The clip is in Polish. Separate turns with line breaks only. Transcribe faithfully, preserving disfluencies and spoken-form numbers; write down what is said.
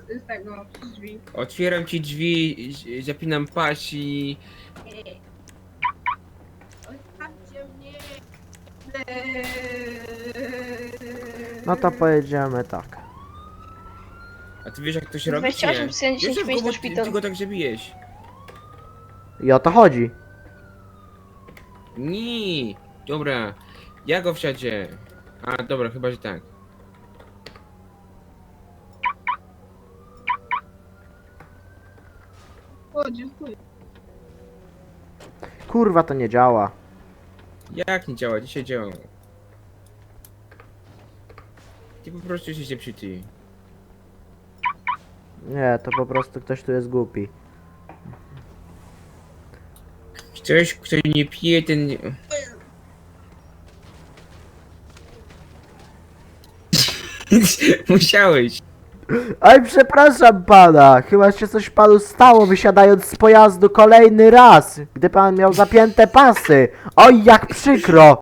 z tego, z drzwi.
Otwieram ci drzwi, z- zapinam pas i...
Zostawcie mnie!
No to pojedziemy tak.
A ty wiesz jak to się robi,
dwadzieścia osiem,
czy nie?
dziesięć,
Wiesz,
pięć
go,
na
bo ty,
szpital.
ty go tak zabijesz.
I o to chodzi.
Nie, dobra. Ja go wsiadzie. A, dobra, chyba, że tak.
O, dziękuję.
Kurwa, to nie działa.
Jak nie działa? Dzisiaj działa. Ty po prostu jesteś zepsuty.
Nie, to po prostu ktoś tu jest głupi.
Ktoś, kto nie pije, ten... nie- Musiałeś.
Oj, przepraszam pana, chyba się coś panu stało wysiadając z pojazdu kolejny raz, gdy pan miał zapięte pasy. Oj, jak przykro.